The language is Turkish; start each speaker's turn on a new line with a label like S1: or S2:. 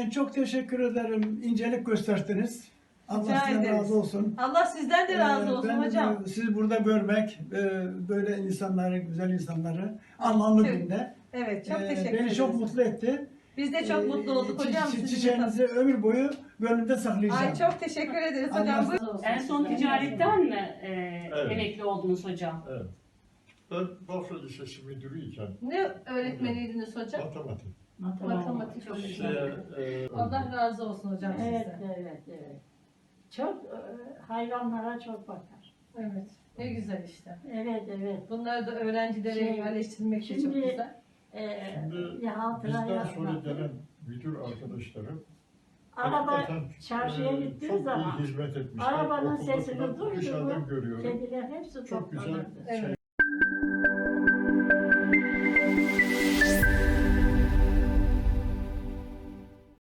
S1: Ben çok teşekkür ederim. İncelik gösterdiniz. Allah
S2: Rica
S1: sizden
S2: ederiz.
S1: razı olsun.
S2: Allah sizden de razı olsun
S1: Ben de
S2: hocam.
S1: sizi burada görmek, böyle insanları, güzel insanları anlamlı
S2: Evet.
S1: günde
S2: Evet, çok teşekkür ederiz.
S1: beni çok mutlu etti.
S2: Biz de çok mutlu olduk hocam. sizinle
S1: Çiçeğinizi ömür boyu gönlümde saklayacağım.
S2: Ay çok teşekkür ederiz hocam.
S1: Allah
S2: Buyurun.
S3: En son ticaretten mi
S4: Evet.
S3: emekli oldunuz hocam?
S4: Evet. Ben Bafra Lisesi müdürüyken
S2: Ne öğretmeniydiniz hocam?
S4: matematik.
S2: Matematik
S3: Çok
S2: hocam.
S3: güzel.
S2: Allah razı olsun hocam
S5: Evet,
S2: size.
S5: evet. Çok hayvanlara çok bakar.
S2: Evet. Ne güzel işte.
S5: Evet.
S2: Bunları da öğrencilere
S5: Şey,
S2: yerleştirmek de çok
S5: şimdi-
S2: güzel.
S4: Şimdi
S5: Bir hatıra
S4: bizden sonra
S5: yapmak.
S4: gelen müdür arkadaşlarım
S5: Araba
S4: hakikaten,
S5: çarşıya gittiği
S4: çok
S5: zaman
S4: iyi hizmet etmişler.
S5: arabanın
S4: Okulda
S5: sesini
S4: falan
S5: duydu
S4: dışarıdan
S5: mu
S4: görüyorum.
S5: kediler hepsi
S4: Çok güzel
S5: toplanırdı.
S2: Evet.